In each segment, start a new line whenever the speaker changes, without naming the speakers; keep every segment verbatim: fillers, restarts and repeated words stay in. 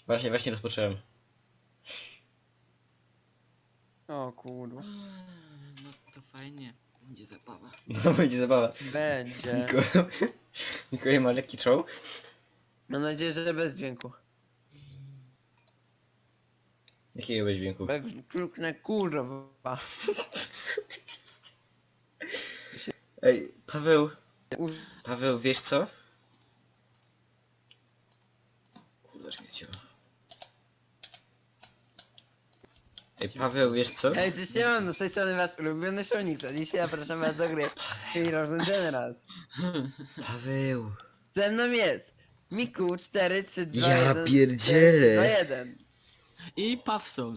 Właśnie, właśnie rozpocząłem.
O kurwa.
No to fajnie. Będzie zabawa.
No będzie zabawa.
Będzie.
Mikołaj, Mikołaj ma lekki czołg?
Mam nadzieję, że bez dźwięku.
Jakiego bez dźwięku?
Bo jak kliknę kurwa.
Ej, Paweł,
U-
Paweł, wiesz co? Kurde, że mnie ciło. Ej, Paweł, wiesz co?
Hej, cześć, ja mam z tej strony wasz ulubiony Shonix, a dzisiaj zapraszam was do gry Heroes and Generals.
Paweł.
Ze mną jest Miku cztery trzy dwa
Ja
jeden
pierdzielę.
dwa jeden.
I Pawson.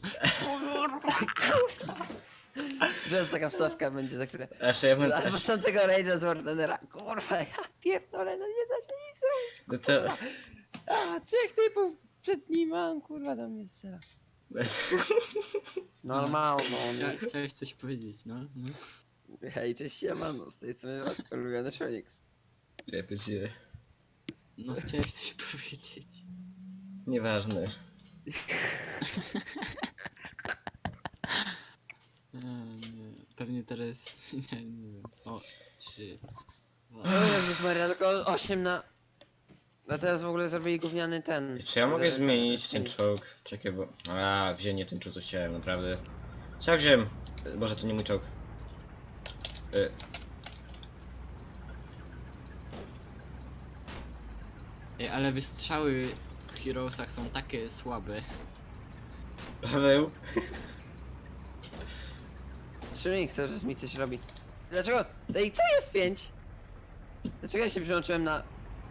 Teraz taka wstawka będzie za chwilę.
Aż ja mam...
Albo sam tego Rage'a z Wardenera. Kurwa, ja pierdolę, no nie da się nic zrobić.
No to...
A, trzech typów przed nim mam, kurwa, do mnie strzela. Normalno, no.
Chcia- Chciałeś coś powiedzieć, no? no.
Hej, cześć, siemano, z tej strony was ulubiony Shonix.
Ja pierdzielę.
No chciałeś coś powiedzieć.
Nieważne.
A, nie. Pewnie teraz... Nie, nie wiem. O, trzy, dwa...
O Jezus Maria, tylko osiem na... A teraz w ogóle zrobili gówniany ten...
Czy ja mogę zmienić ten czołg? Czekaj, bo... A, wziąłem nie ten czołg, co chciałem, naprawdę. Co wziąłem? Boże, to nie mój czołg. Y,
Ej, ale wystrzały w Heroesach są takie słabe.
Paweł?
Shonix cały czas mi coś robi. Dlaczego? Ej, co jest pięć? Dlaczego ja się przyłączyłem na...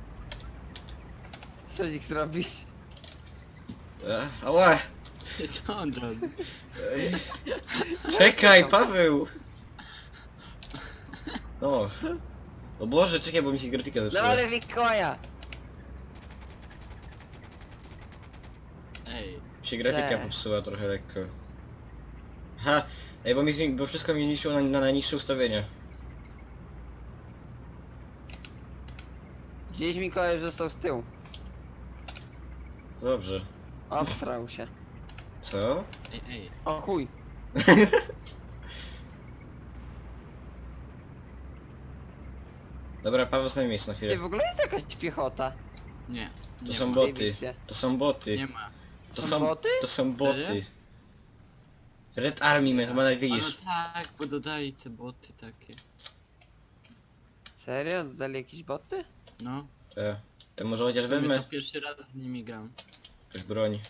Co Shonix robisz?
A, ała!
Co on robi?
Ej. Czekaj, Paweł! No. O Boże, czekaj, bo mi się grafika
No
zepsuła.
ale Mikołaja!
Ej,
Mi się grafika
Źle.
popsuła trochę lekko. Ha! Ej, bo, mi, zmi- bo wszystko mi zniszczyło na, na najniższe ustawienia.
Gdzieś Mikołaj już został z tyłu.
Dobrze.
Obsrał się.
Co?
ej, ej.
O chuj.
Dobra, Paweł, znaj miejsce na
Ej,
chwilę.
w ogóle jest jakaś piechota.
Nie.
To
Nie
są
ma.
boty.
bitwie.
To są boty.
Nie ma.
To
Są
są
boty?
To są boty.
Serio?
Red Army, man, chyba nawet
A no
widzisz.
tak, bo dodali te boty takie.
Serio? Dodali jakieś boty?
No.
Te. To może chociaż
W sumie
wezmę
to pierwszy raz z nimi gram.
jakąś broń.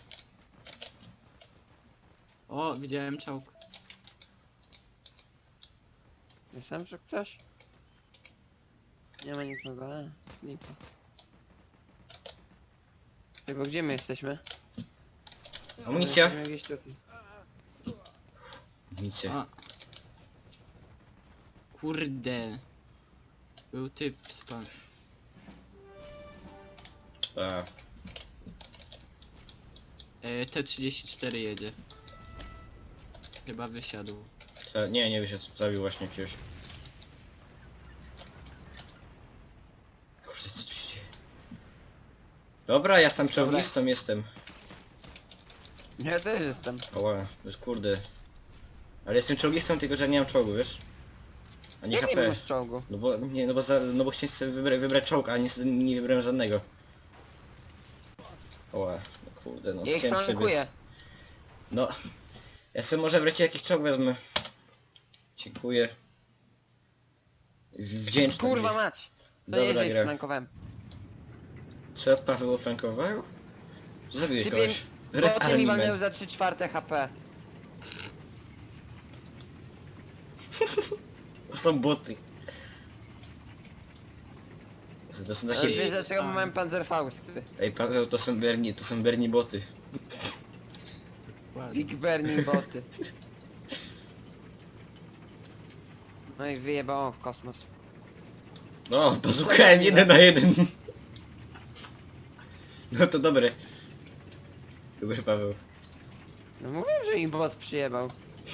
O, widziałem czołg.
Myślałem, że ktoś? Nie ma nikogo, a, nikogo. Ej, bo gdzie my jesteśmy?
Amunicja!
Jesteśmy gdzieś tutaj.
Amunicja.
A. Kurde. Był typ z pan.
A.
E, T trzydzieści cztery jedzie. Chyba wysiadł.
Ta, nie, nie wyszedł. Zabił właśnie jakiegoś. Kurde, co tu się dzieje? Dobra, ja tam czołgistą jestem.
Ja też jestem.
Oła, to jest kurde. Ale jestem czołgistą, tylko że nie mam czołgu, wiesz? A nie
Jak nie
H P.
masz czołgu?
No bo nie, no bo za, no bo chciałem sobie wybra wybrać czołg, a niestety nie wybrałem żadnego. Oła, no kurde, no
Ja ich
chciałem sobie
flankuję.
z- No. Ja sobie może wreszcie jakiś czołg wezmę. Dziękuję. Wdzięczny.
Kurwa
mi.
mać! To nie
Dobra
jest, że ich
gra.
flankowałem.
Co Paweł flankował? Zabiłeś
Typie,
kogoś. Red
boty mi
Army
walnęły
Man.
za trzy czwarte H P.
To są boty. To- To są
Ale
takie...
wiesz dlaczego
tak.
mam panzerfausty?
Ej Paweł, to są Bernie, to są Bernie boty.
Ładnie.
Big Burning boty. No i wyjebało w kosmos.
No, bazukałem jeden na jeden. No to dobre. Dobry Paweł.
No mówiłem, że im bot przyjebał.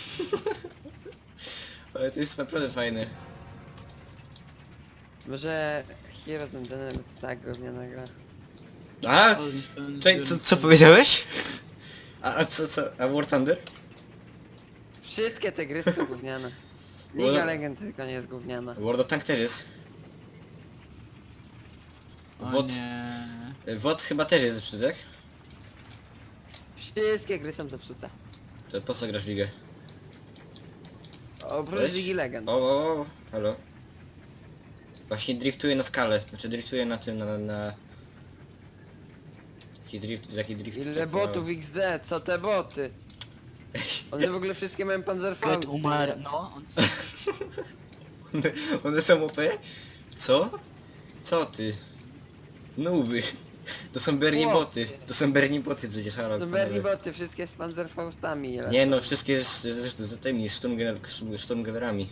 Ale to jest naprawdę fajne.
Może Heroes and Generals tak gówniana gra.
A?
O, zniszczyłem
Czekaj, co,
zbiornik
co
wody.
powiedziałeś? A, a co, co? A War Thunder?
Wszystkie te gry są gówniane. Liga Legend tylko nie jest gówniana.
World of Tank też jest.
O
Wod-
nie.
W O T chyba też jest zepsuty, tak?
Wszystkie gry są zepsute.
To po co grasz w ligę?
Oprócz
Weź.
Ligi Legend.
O, o, o, halo. Właśnie driftuję na skalę, znaczy driftuję na tym, na... na... na... Taki drift, taki drift...
Ile
tak
botów X D, co te boty? One w ogóle wszystkie mają
Ket
Panzerfaust.
umarł, no, on
One, one są O P? Co? Co ty? Nuby. To są Bernie
Chłopie.
boty. To są Bernie boty przecież, halo.
To Bernie boty, wszystkie z Panzerfaustami. ile
Nie
są.
no, wszystkie z, z, z, z tymi Sturmgener- Sturmgenerami.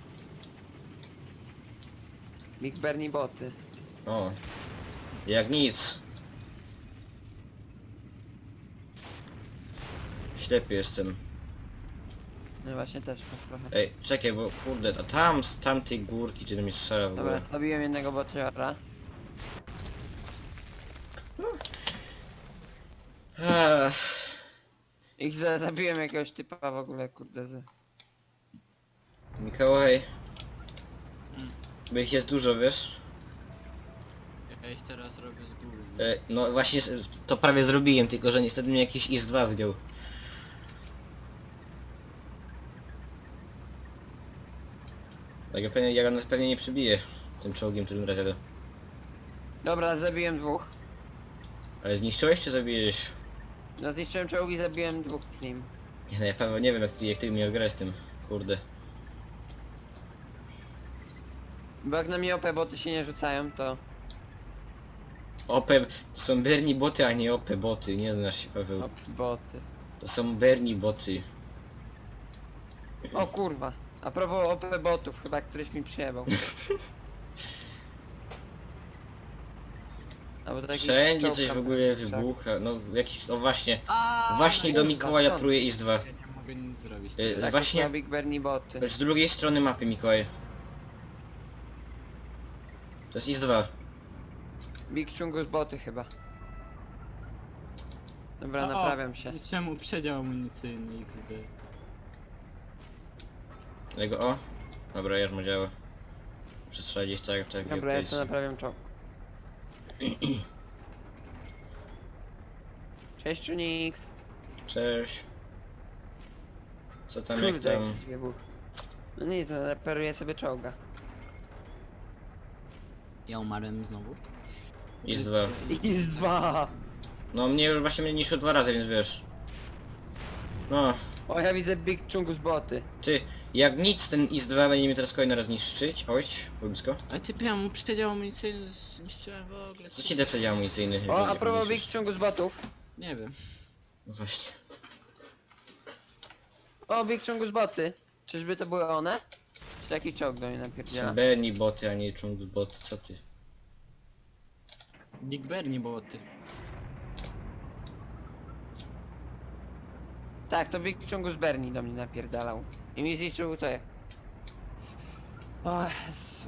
Big Bernie boty.
O. Jak nic. Ślepy jestem.
No właśnie też tak trochę.
Ej, czekaj, bo kurde, a tam z tamtej górki, gdzie mi strzela w
Dobra,
ogóle.
zabiłem jednego botiora.
Ach,
Ich za zabiłem jakiegoś typa w ogóle, kurde. Z...
Mikołaj.
Mm.
Bo ich jest dużo, wiesz?
Ja ich teraz robię z góry. nie?
E, no właśnie s- to prawie zrobiłem, tylko że niestety mnie jakiś I S dwa zdjął. Tak, ja pewnie, ja go pewnie nie przybiję tym czołgiem, którym raz jadę.
Dobra, zabiłem dwóch.
Ale zniszczyłeś czy zabiłeś?
No zniszczyłem czołgi, zabiłem dwóch z nim.
Nie, no ja pewnie nie wiem jak ty, jak ty miał grać z tym, kurde.
Bo jak na mnie O P boty się nie rzucają, to...
O P, to są Bernie boty, a nie O P boty, nie znasz się Paweł.
O P boty.
To są Bernie boty.
O kurwa. A propos O P botów, chyba któryś mi przyjebał. Albo to jakiś
Wszędzie
czołg
coś
tam
w ogóle
wszak.
wybucha, no jakiś, no właśnie.
A,
Właśnie do
kurwa,
Mikołaja
stąd.
pruje I S dwa.
Ja nie mogę nic zrobić.
E,
teraz.
Tak,
właśnie-
właśnie... Big Bernie boty.
Z drugiej strony mapy, Mikołaj. To jest I S dwa.
Big Chungus boty chyba. Dobra,
O,
naprawiam się.
Czemu przedział amunicyjny X D?
Jego o. Dobra, już mu działa. Przestrzelić tak, tak.
Dobra, ja
jak
sobie naprawiam czołg. Cześć Unix.
Cześć. Co tam, jak
Kurde,
tam?
jakiś wybuch. No nic, no, reperuję sobie czołga.
Ja umarłem znowu.
I S dwa.
I z dwa.
No mnie już właśnie mnie niszczył dwa razy, więc wiesz. No,
O, ja widzę Big Chungus boty.
ty, jak nic ten I S dwa będzie mnie teraz kolejny raz niszczyć. Oj, blisko.
Ale ty ja mu przedział amunicyjny zniszczyłem w ogóle.
Co ci da przedział amunicyjny?
O, a
jak
propos Big
niszczysz?
Chungus botów.
Nie wiem.
No właśnie.
O, Big Chungus boty. Czyżby to były one? Czy taki czołg do mnie napierdziela?
Bernie boty, a nie Chungus boty, co ty?
Big Bernie boty.
Tak, to Big Chungus Bernie do mnie napierdalał. I mi zliczył to jak... O Jezu.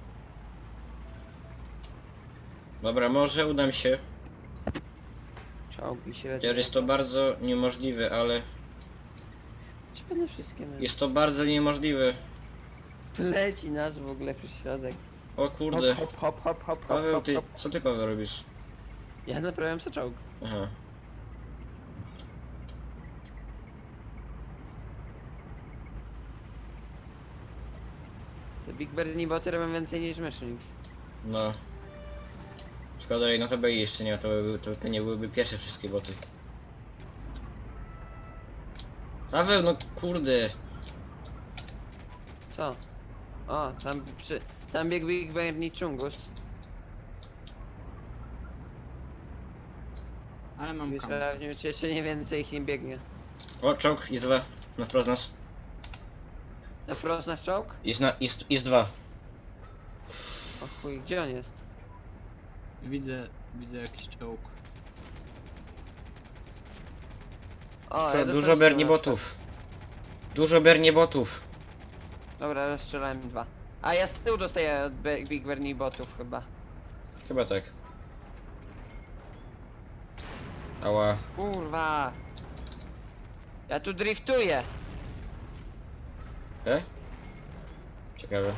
Dobra, może uda mi się.
Czołgi się leci.
Chociaż jest to bardzo niemożliwe, ale...
Czy będę wszystkie miał?
Jest to bardzo niemożliwe.
Tu leci nasz w ogóle przez środek.
O kurde.
Hop, hop, hop, hop, hop,
Paweł,
hop,
ty,
hop.
co ty Paweł robisz?
Ja naprawiam sobie czołg.
Aha.
Te Big Bernie boty robią więcej niż Machines.
No. Szkoda, że no to by jeszcze nie ma, to, by, to pewnie byłyby pierwsze wszystkie boty. Paweł, no kurde.
Co? O, tam przy... Tam biegł Big Bernie Chungus.
Ale mam
Wiesz,
kam.
a nie wiem, czy jeszcze nie więcej ich nie biegnie.
O, czołg, jest dwa. Na wprost nas.
Na Frost nasz czołg?
Jest na, jest, jest dwa.
O chuj, gdzie on jest?
Widzę, widzę jakiś czołg.
O,
Dużo,
ja
dużo
dostałem
Bernie
strzała.
botów. Dużo Bernie botów.
Dobra, rozstrzelałem dwa. A ja z tyłu dostaję od Be- Big Bernie botów chyba.
Chyba tak. Ała.
Kurwa. Ja tu driftuję.
E? Ciekawe.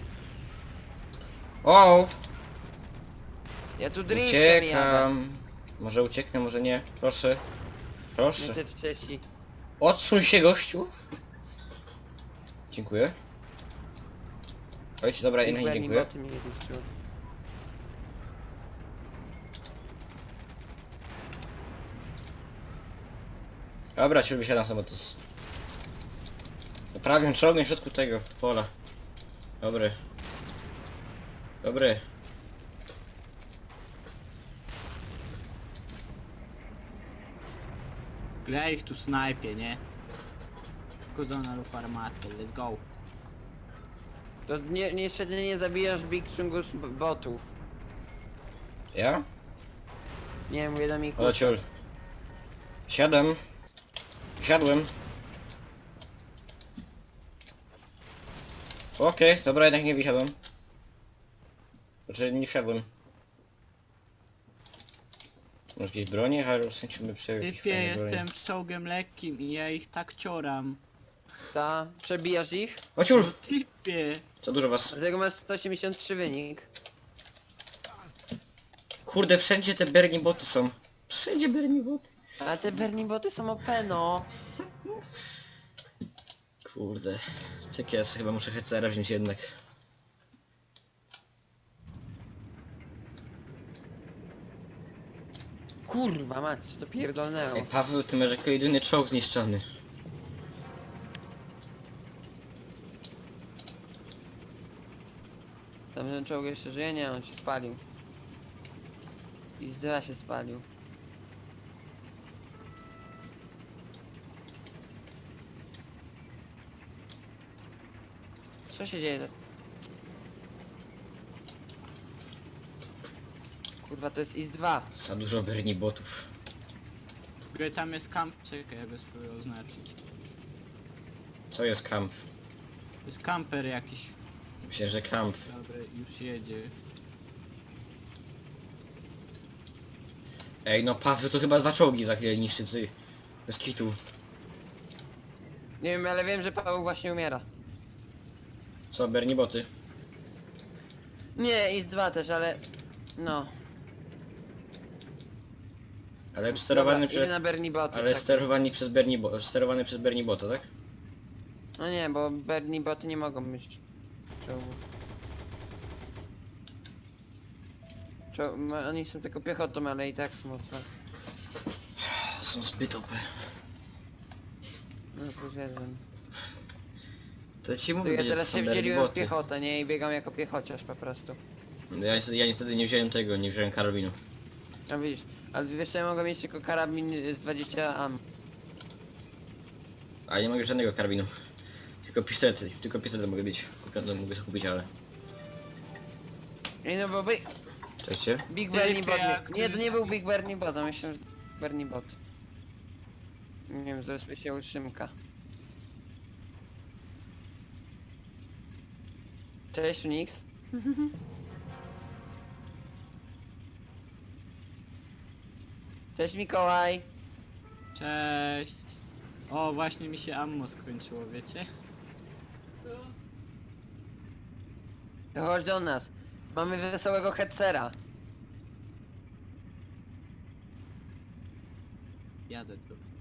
O!
Ja tu driftem jadę.
Uciekam. Może ucieknę, może nie. Proszę. Proszę.
Nie te trzydzieści.
Odsuń się, gościu. Dziękuję. Ojciec, dobra, innej nie dziękuję.
Boty mnie zniszczyły.
Dobra, ci wysiadam sobie, to jest... Prawie czołgiem w środku tego pola. Dobry. Dobry.
Ja ich tu snajpię, nie? Kudzona lub armatę, let's go.
To nie, niestety nie zabijasz Big Chungus b- botów.
Ja?
Nie, mówię do Miku.
O, ciul. Siadam. Siadłem. Okej, dobra, jednak nie wysiadłem. Znaczy, nie wsiadłem. Może jakieś bronie? A w sensie my przy jakieś
Typie,
fajne bronie.
jestem czołgiem lekkim i ja ich tak cioram.
Ta, przebijasz ich?
O ciul!
No typie!
Co dużo was.
Dlatego masz sto osiemdziesiąt trzy wynik.
Kurde, wszędzie te Bernie boty są. Wszędzie Bernie boty.
A te Bernie boty są O P, no.
Kurde. Tak jest, chyba muszę Hecera wziąć jednak.
Kurwa mać, co to pierdolnęło.
Ej, Paweł, ty masz jako jedyny czołg zniszczony.
Tamten czołg jeszcze żyje? Nie, on się spalił. I zdra się spalił. Co się dzieje? Kurwa, to jest I S dwa.
Za dużo Bernie botów.
W ogóle tam jest kamp, czekaj, ja go spróbuję oznaczyć.
Co jest kamp?
To jest kamper jakiś.
Myślę, że kamp.
Dobra, już jedzie.
Ej, no Paweł, to chyba dwa czołgi za chwilę niszczy ty. Bez kitu.
Nie wiem, ale wiem, że Paweł właśnie umiera.
Co, Bernie boty?
Nie, I S dwa też, ale... No.
Ale sterowany
Dobra, idę
przez...
na Bernie boty.
Ale
czekaj.
sterowani przez Bernie bo... sterowany przez Bernie bota, tak?
No nie, bo Bernie boty nie mogą mieć czołgów. Czo ma- oni są tylko piechotą, ale i tak są O P.
Są zbyt O P.
No plus jeden.
To ci
To
mówię,
ja
że
teraz
to są
się
Bernie
wdzieliłem w
boty.
piechotę, nie? I biegam jako piechociarz po prostu.
Ja niestety, ja niestety nie wziąłem tego, nie wziąłem karabinu.
No widzisz, ale wiesz co, ja mogę mieć tylko karabin z dwadzieścia am.
A nie mogę żadnego karabinu. Tylko pistolety, tylko pistolety mogę mieć. Kupione mogę sobie kupić, ale...
Ej no bo by...
Cześć.
Big
Ty,
Bernie Bot...
jak
Nie, nie, to
to
nie
jest-
był Big Bernie Bot, a myślałem, że to Bernie Bot. Nie wiem, zresztą się utrzymka. Cześć Unix. Cześć Mikołaj.
Cześć! O, właśnie mi się ammo skończyło, wiecie?
To chodź do nas. Mamy wesołego headsera.
Jadę do was.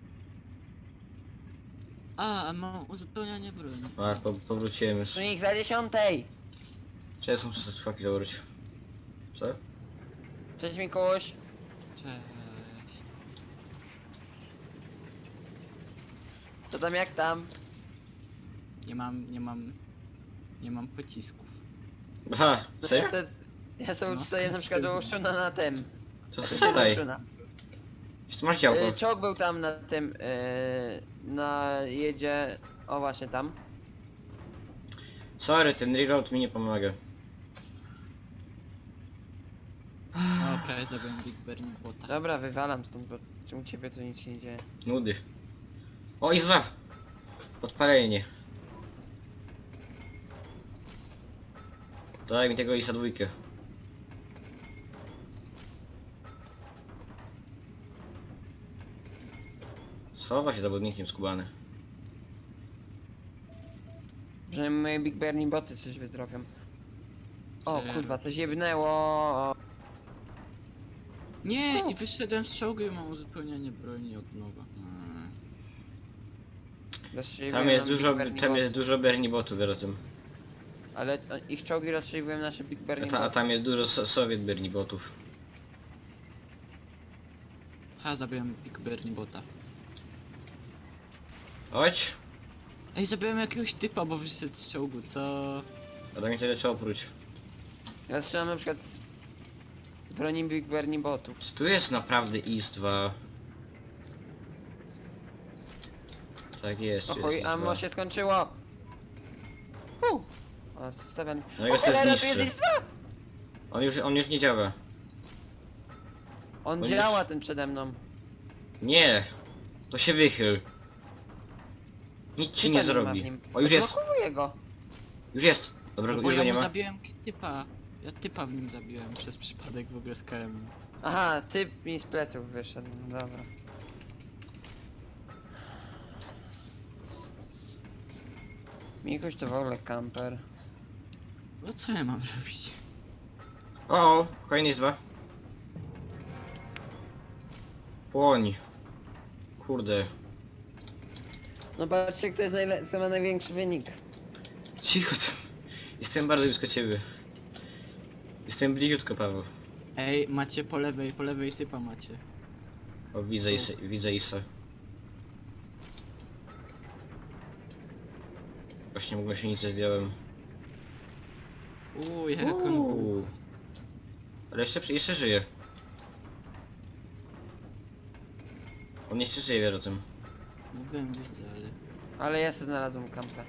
A, a mam uzupełnianie broni.
A, po, powróciłem już.
Unix za dziesiątej.
Cześć, są przez szwaki założyć. Co?
Cześć Mikołuś.
Cześć.
Co tam jak tam?
Nie mam, nie mam... Nie mam pocisków.
Aha,
No
serio?
ja, se, ja sobie
No,
uczyłem na przykład do Szuna na tym.
To strzelaj. Czy ty masz działko?
Y, Czołg był tam na tym, y, na jedzie, o właśnie tam.
Sorry, ten reload mi nie pomaga.
O, prawie zabiłem Big Bernie Bota.
Dobra, wywalam stąd, bo u ciebie tu nic się nie dzieje.
Nudy. O, i zwa! Podpalenie. Daj mi tego isa dwójkę. Schowa się zawodnikiem skubany.
Że moje Big Bernie boty coś wydrobią. O
Zero.
kurwa, coś jebnęło.
Nie! I wyszedłem z czołgu i mam uzupełnianie broni od nowa. Mm.
Rozstrzeliwuję
Tam jest
nam
dużo,
Big Bernie
tam
boty.
jest dużo Bernie botów, wiesz o tym.
Ale e, ich czołgi rozstrzeliwują nasze Big
A,
Bernie
ta, a
boty.
tam jest dużo so Sowiet Bernie botów.
Ha, zabiłem Big Bernie bota.
Chodź!
Ej, zabiłem jakiegoś typa, bo wyszedł z czołgu, co?
A tam mi tyle trzeba oprócz.
Ja strzelam na przykład z broni Big Bernie botów.
Czy tu jest naprawdę I S dwa? Tak jest, tu
Oj,
jest
ammo
I S dwa.
się skończyło. U. O, stawiam.
No i go
O,
sobie
cholera, tu
zniszczy.
jest I S dwa!
On już, on już nie działa.
On
On
działa
już-
ten przede mną.
Nie! To się wychyl. Nic ci nie
Typa ma w
zrobi.
nim.
O, już jest!
Odblokowuję go.
Już jest! Dobra,
No
już
bo
go
ja
nie
mu
ma.
zabiłem typa. Ja typa w nim zabiłem przez przypadek w ogóle z K M.
Aha, typ mi z pleców wyszedł. No dobra. Mikuś to w ogóle kamper.
No co ja mam robić?
O, o, kolejny jest dwa. Płoń. Kurde.
No patrzcie, kto jest najle- kto ma największy wynik.
Cicho tam. Jestem bardzo blisko ciebie. Jestem bliziutko, Paweł.
Ej, macie po lewej, po lewej typa macie.
O, widzę Isa, widzę Isa. Właśnie mu gąsienicę zdjąłem.
Uuu, jak on
Uuu.
był.
Ale jeszcze, jeszcze żyje. On jeszcze żyje, wiesz o tym.
No wiem, widzę, ale...
Ale ja sobie znalazłem kampę.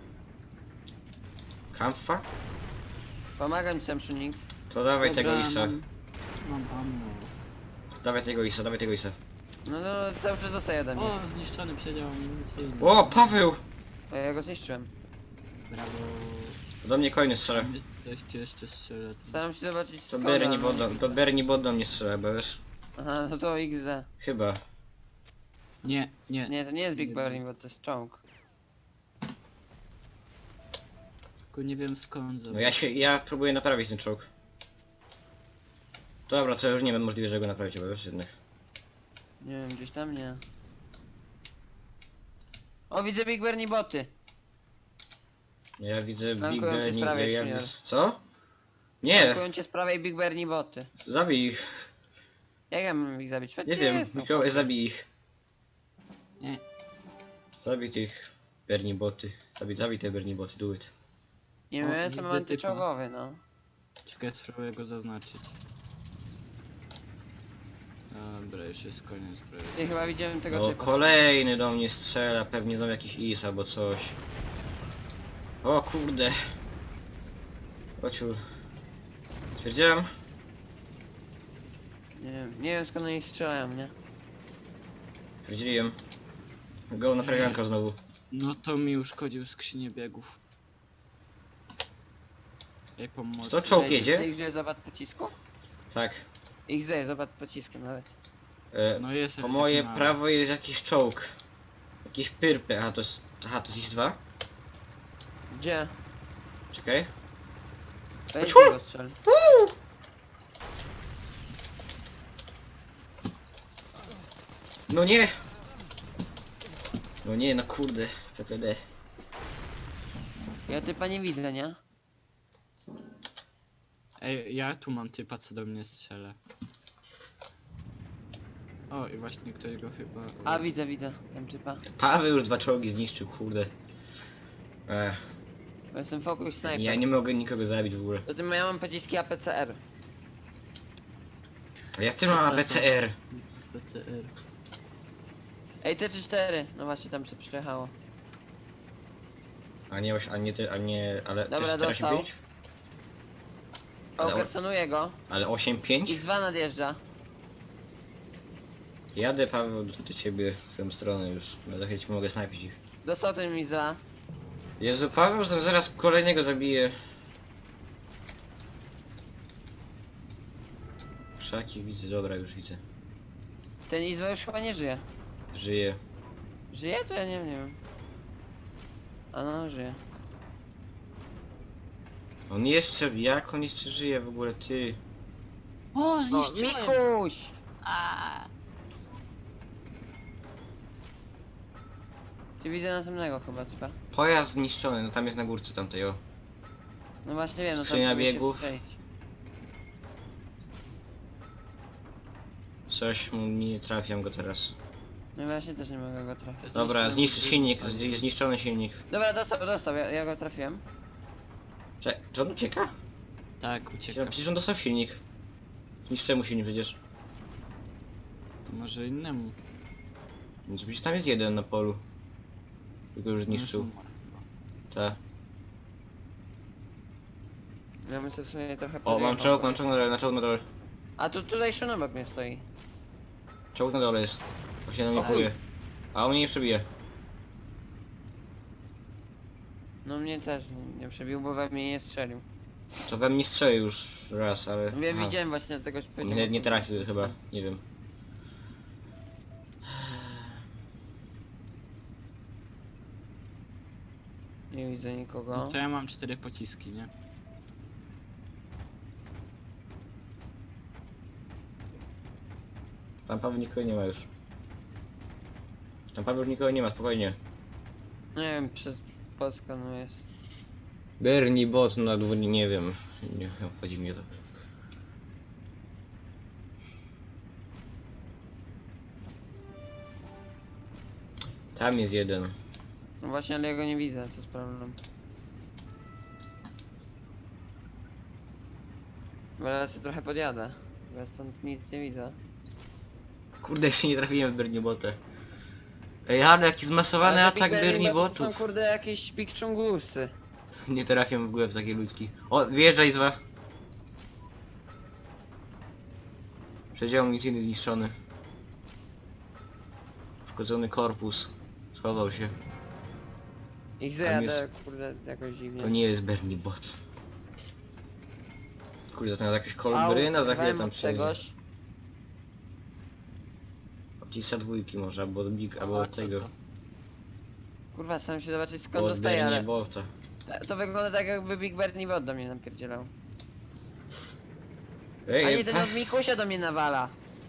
Kampa?
Pomagam ci, Samsunix.
To dawaj
Dobra,
tego Isa.
Mam, mam ammo.
Dawaj tego Isa, dawaj tego Isa.
No no, cały czas zostaje ode mnie.
O, zniszczony przedział amunicyjny.
O, Paweł!
O, ja go zniszczyłem.
Brawo.
Do mnie kolejny strzela.
Ktoś cię jeszcze strzela. to-
Staram się zobaczyć
To
skąd
Bernie
on-
Bodo, to Bernie Bodo mnie strzela, bo wiesz?
Aha, no to X D.
Chyba.
Nie, nie.
Nie, to nie jest Big Bernie, bo to jest czołg.
Tylko nie wiem skąd
No ja się, ja próbuję naprawić ten czołg. Dobra, to już nie wiem, możliwe, że go naprawić, bo wiesz jednak.
Nie wiem, gdzieś tam nie. O, widzę Big Bernie boty.
Ja widzę Big
Flankują cię z
Bernie,
prawej,
ja, ja
Junior.
widzę... Co? Nie!
Atakują cię z prawej Big Bernie boty.
Zabij ich.
Jak ja mam ich zabić?
Nie
Gdzie
wiem,
jest, no?
Mikołaj, zabij ich.
Nie.
Zabij tych Bernie boty. Zabij, zabij te Bernie boty, do it.
Nie wiem,
O,
ja jestem
widzę
antyczołgowy, no.
Czekaj, spróbuję go zaznaczyć. Dobra, już jest koniec prawie.
Ja chyba widziałem tego
No
typa.
kolejny do mnie strzela, pewnie znowu jakiś Is albo coś. O kurde. Ociul. Stwierdziłem?
Nie wiem, nie wiem skąd oni strzelają, nie?
Stwierdziłem. Go naprawianka znowu.
No to mi uszkodził skrzynię biegów. Ej, pomocy.
To czołg
Ej,
jedzie?
Ty X D jest zawad pocisku?
Tak.
X D jest zawad pocisku nawet.
E,
No jest
po
taki
moje
mały.
prawo jest jakiś czołg. Jakiś pyrpy. Aha, to jest... Aha, to jest Is dwa?
Gdzie?
Czekaj.
Weź
Ciu!
go strzel.
No nie! No nie, no kurde. P P D.
Ja typa nie widzę, nie?
Ej, ja tu mam typa, co do mnie strzela. O, i właśnie ktoś go chyba...
A widzę, widzę. Wiem typa.
Paweł już dwa czołgi zniszczył, kurde. Ech,
Bo jestem focus sniper.
ja nie mogę nikogo zabić w ogóle.
Do tym ja mam pociski A P C R.
A ja też mam A P C R.
P C R.
Ej, T trzy cztery. No właśnie, tam się przyjechało.
A nie, oś- a nie, ty- a nie, ale
Dobra,
też
dostał.
osiem pięć? Ale o-
Okersonuję go.
Ale osiem pięć?
X dwa nadjeżdża.
Jadę, Paweł, do, do ciebie, w twoją stronę już. Bo za chwilę ci mogę snajpić ich.
Dostał ten X dwa.
Jezu, Paweł, zaraz- zaraz kolejnego zabije. Krzaki widzę, dobra, już widzę.
Ten X dwa już chyba nie żyje.
Żyje.
Żyje? To ja nie wiem, nie wiem. A no, żyje.
On jeszcze, jak on jeszcze żyje w ogóle, ty?
O,
No,
zniszczyłem!
Mikuś!
A,
Czy widzę następnego chyba, chyba.
Pojazd zniszczony, no tam jest na górce tamtej, o.
No właśnie wiem, no to
Skrzynia
próbuję się
biegów.
strzelić.
Coś mu nie trafiam go teraz.
No właśnie też nie mogę go trafić.
Dobra,
Zniszczyłem
zniszczy
bieg-
silnik,
ale-
z- zniszczony silnik.
Dobra, dostał, dostał, ja, ja go trafiłem.
Cze czy on ucieka?
tak, ucieka.
Przecież on dostał silnik. Zniszczę mu silnik przecież.
To może innemu.
Więc przecież tam jest jeden na polu. Tylko już
No,
zniszczył.
już umarł chyba.
Tak.
Ja bym sobie w sumie trochę
O, mam
podjechał.
czołg, mam czołg na dole, na czołg na dole.
A tu tutaj Szun obok mnie stoi.
Czołg na dole jest. Właśnie na mnie
O,
próbuje. A on mnie nie przebije.
No mnie też nie, nie przebił, bo we mnie nie strzelił.
To we mnie strzelił już raz, ale...
Ja
aha.
widziałem właśnie z tego poziomu.
Nie, nie trafił chyba, nie wiem.
Nie widzę nikogo.
No to ja mam cztery pociski, nie?
Tam Paweł nikogo nie ma już. Tam Paweł już nikogo nie ma, spokojnie.
Nie wiem, przez Polskę no jest.
Bernie bot na dwóch, nie wiem. Nie obchodzi mnie to. Tam jest jeden.
No właśnie, ale ja go nie widzę, co jest problem. Bo ja sobie trochę podjadę. Bo ja stąd nic nie widzę.
Kurde, jeszcze nie trafiłem w Bernie botę. Ej, ale jaki zmasowany
Ale te
atak
Big
Bernie
Bernie Boty
botów.
są kurde jakieś Big Chungusy.
Nie trafiam w głowę w takie ludzki. O, wjeżdżaj z was. Przedział amunicyjny zniszczony. Uszkodzony korpus. Schował się.
Ich
Tam
zajadę
jest-
kurde jakoś dziwnie.
To nie jest Bernie bot. Kurde, to na jakieś kolbryna za chwilę
wem
tam
od
przejdzie.
czegoś.
Odciska dwójki może, albo od Big, albo
A,
od
co
tego.
to?
Kurwa, staram się zobaczyć skąd
Bo od
dostaję,
Bernie
ale...
bota.
To wygląda tak jakby Big Bernie Bot do mnie napierdzielał.
Ej,
A nie,
ej,
ten
pa-
od Mikusia do mnie nawala.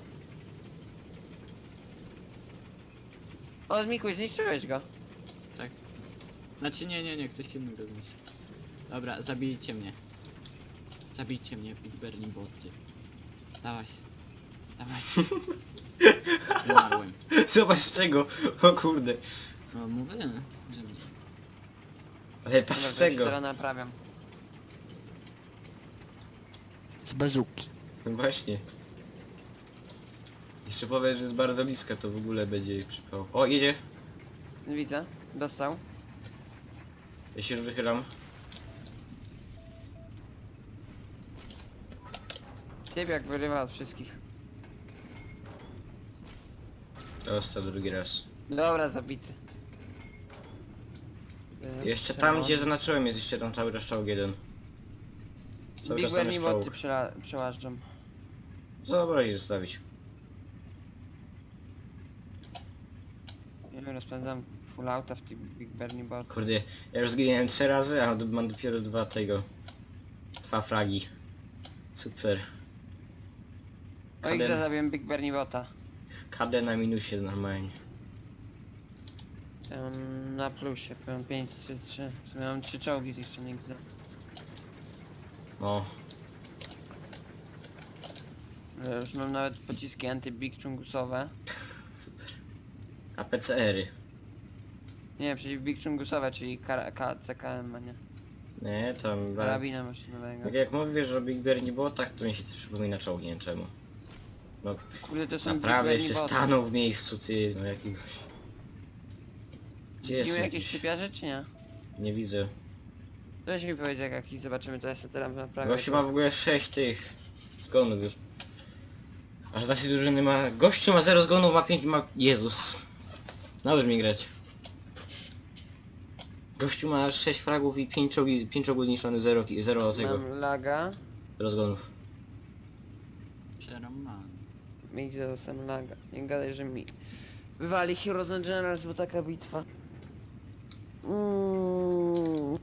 O, Mikuś, zniszczyłeś go.
Tak. Znaczy nie, nie, nie, ktoś inny go zniszczył. Dobra, zabijcie mnie. Zabijcie mnie, Big Bernie boty. Dawaj. Dawajcie. Umarłem.
Zobacz z czego, o kurde.
No mówię, że mnie.
Ale patrz
Dobra,
z
to ja się
czego.
teraz naprawiam.
Z bazuki.
No właśnie. Jeszcze powiedz, że jest bardzo bliska, to w ogóle będzie jej przypał. O, jedzie.
Widzę, dostał.
Ja się już wychylam.
Typ jak wyrywa od wszystkich.
Dostał drugi raz.
Dobra, zabity. E,
Jeszcze
trzeba-
tam, gdzie zaznaczyłem, jest jeszcze tam cały czas czołg jeden. Cały
Big
czas tam
Bernie
jest
Boty
czołg.
przela- przełażdżam.
Zobraź zostawić.
Ja rozpędzam full auta w tych Big Bernie Bot.
Kurde, ja już zginąłem trzy razy, a mam dopiero dwa tego. Dwa fragi. Super.
O, ich
K D,
zabiłem Big Bernie Bota.
K D na minusie normalnie.
Ja mam na plusie, mam pięć, trzy, trzy. W sumie mam trzy czołgi zniszczonych. za-
O,
Ja już mam nawet pociski anty-Big Chungusowe.
super. A P C R-y.
Nie, przeciw Big Chungusowe, czyli K- K- C K M, a nie.
Nie, tam...
Karabina maszynowego.
Tak jak mówisz o Big Bear nie było, tak to mi się też przypomina czołg, nie wiem czemu. No
Kurde, to są
naprawdę
Big
jeszcze
Bernie Boty.
stanął w miejscu, ty, no jakiegoś... Gdzie jest
Widzimy jakieś
jakiś?
typiarze, czy nie?
Nie widzę.
Weź mi powiedzieć, jak jakiś zobaczymy, to ja sobie teraz naprawię.
Gościu ma w ogóle sześć tych zgonów już. Aż z naszej drużyny ma... Gościu ma zero zgonów, ma pięć, ma... Jezus. Naucz mi grać. Gościu ma sześć fragów i pięć czołgi, pięć czołgów zniszczonych, zero, zero tego.
Mam laga.
Zero zgonów.
Przeromany.
Mi gdzie dostałem laga. Nie gadaj, że mi... wywali Heroes and Generals, bo taka bitwa. Mm.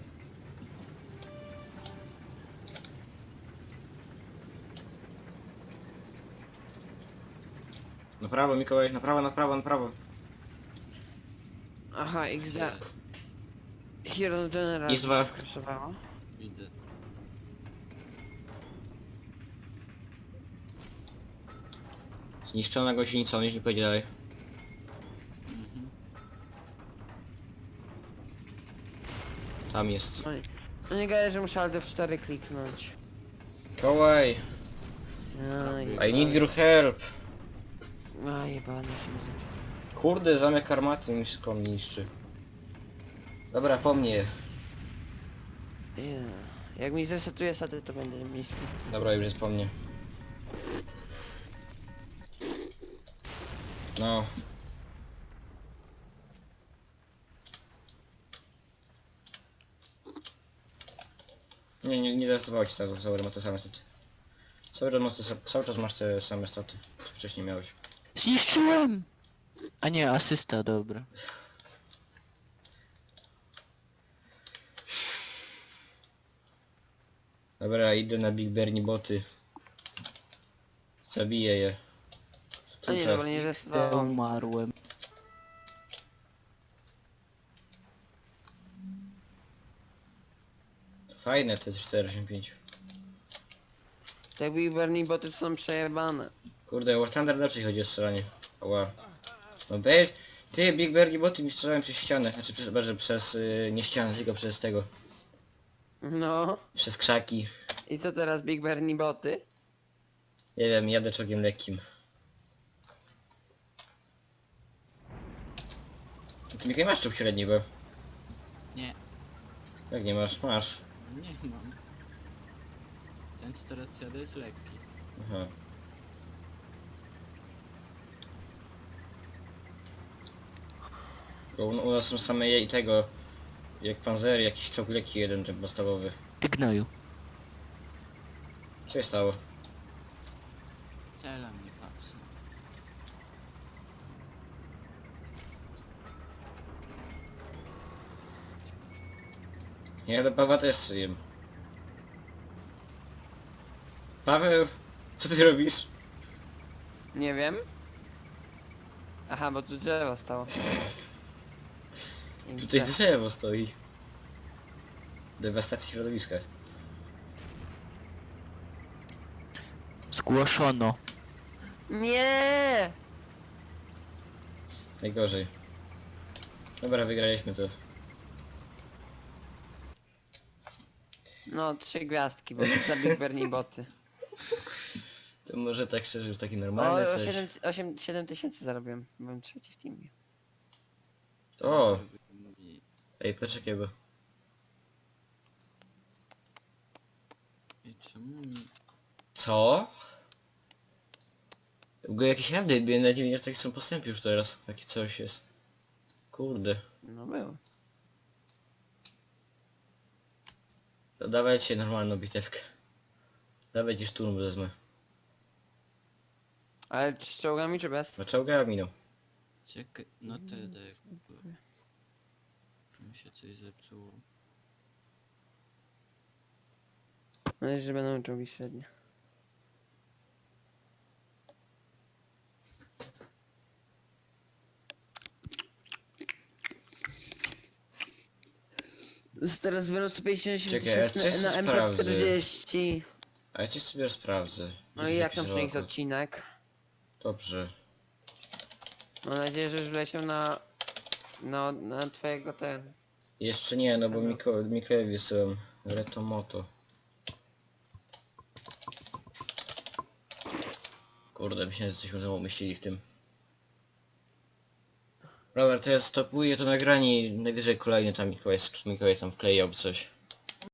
Na prawo, Mikołaj, na prawo, na prawo, na prawo.
Aha, X D. Heroes and Generals
Jest dwa.
skraszowało.
Widzę.
Zniszczona gąsienica, on nie pojedzie dalej.
Mhm.
Tam jest.
No nie, no nie gadaj, że muszę Alt F cztery kliknąć.
Mikołaj,
Aj,
I need your help.
A jebany się nie
Kurde, zamek armaty mi wszystko mnie niszczy. Dobra, po mnie.
yeah. Jak mi zresetuje staty, to będę mieć sprytny.
Dobra, już jest po mnie. No. Nie, nie, nie zarejestrowało ci status, cały ma te same staty. Cały czas masz te, sa- cały czas masz te same staty, co wcześniej miałeś.
Zniszczyłem! A nie, asysta, dobra.
Dobra, idę na Big Bernie boty. Zabiję je.
A nie,
Tuce.
dobra, nie
Te
zresetowało.
umarłem.
Fajne te cztery osiem pięć.
Tak Big Bernie boty są przejebane.
Kurde, War Thunder lepszej chodzi o strzelanie. Ła. No be... Ty, Big Bernie boty mi strzelałem przez ścianę. Znaczy przez, bardziej przez... Yy, nie ścianę, tylko przez tego.
No.
Przez krzaki.
I co teraz Big Bernie boty?
Nie wiem, jadę czołgiem lekkim. Ty Mikołaj masz czołg średni, bo...
Nie,
Jak nie masz? Masz.
nie mam. Ten cztery C D jest lekki.
Aha. Bo u, u nas są same je i tego... Jak panzery, jakiś czołg lekki jeden, ten podstawowy.
Ty gnoju.
Co się stało?
Cela mnie papsa.
Ja do Pawła też jem. Paweł, co ty robisz?
Nie wiem. Aha, bo tu drzewo stało.
Tutaj drzewo stoi. Dewastacja środowiska.
Zgłoszono.
Nie!
Najgorzej. Dobra, wygraliśmy to.
No, trzy gwiazdki, bo za Big Bernie boty.
To może tak szczerze już taki
O,
normalny
o
coś.
siedem, osiem, siedem tysięcy zarobiłem. Byłem trzeci w teamie.
O!
I,
Ej, poczekaj, bo...
i czemu mi...
Co? W ogóle jakiś update, bo ja nawet nie wiem, że takie są postępy już teraz. Takie coś jest. Kurde.
No był.
To dawajcie normalną bitewkę. Dawajcie szturm wezmę.
Ale z czołgami czy bez?
No czołga minął.
Czekaj, no T D jakby. Mi się coś zepsuło.
Mam nadzieję, że będą czołgi średnie. Teraz będą sto pięćdziesiąt
Czekaj, a
tysięcy
coś
na, na M P
sprawdzę.
czterdzieści.
A ja cię sobie sprawdzę.
No i jak tam
Jakiś
przenieść
żołd.
odcinek?
Dobrze.
Mam nadzieję, że już wleciał na... No, na twojego ten...
Jeszcze nie, no bo
Dobra.
Miko, Mikołaj wysyłam. Retomoto. Kurde, myślałem, że coś mu umyślili w tym. Dobra, to ja stopuję to nagranie i najwyżej kolejny tam Mikołaj, Mikołaj tam wklejał coś.